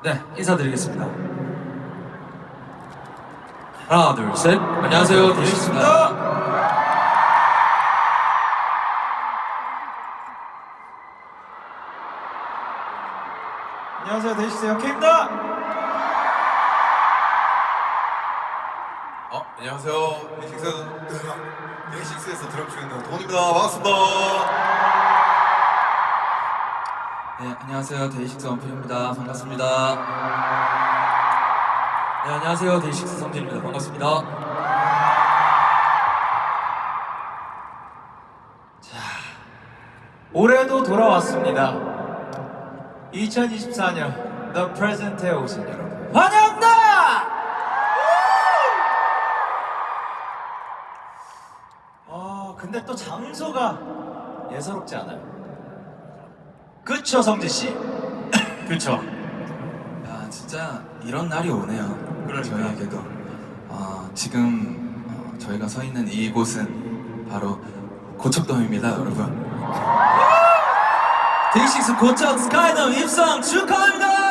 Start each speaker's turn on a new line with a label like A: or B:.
A: 네, 인사드리겠습니다. 하나, 둘, 셋. 안녕하세요, 데이식스입니다.
B: 안녕하세요, 데이식스 영케입니다.
C: 안녕하세요. 데이식스에서 드럼 치고 있는 돈입니다. 반갑습니다.
D: 네, 안녕하세요. 데이식스 원필입니다. 반갑습니다.
A: 네, 안녕하세요, 데이식스 성진입니다. 반갑습니다.
B: 올해도 돌아왔습니다. 2024년 The Present에 오신 여러분 환영합니다. 근데 또 장소가 예사롭지 않아요. 그쵸, 성진 씨? 그쵸.
D: 야, 진짜 이런 날이 오네요. 저희에게도. 지금 저희가 서 있는 이곳은 바로 고척돔입니다, 여러분. 데이식스 고척 스카이돔 입성 축하합니다.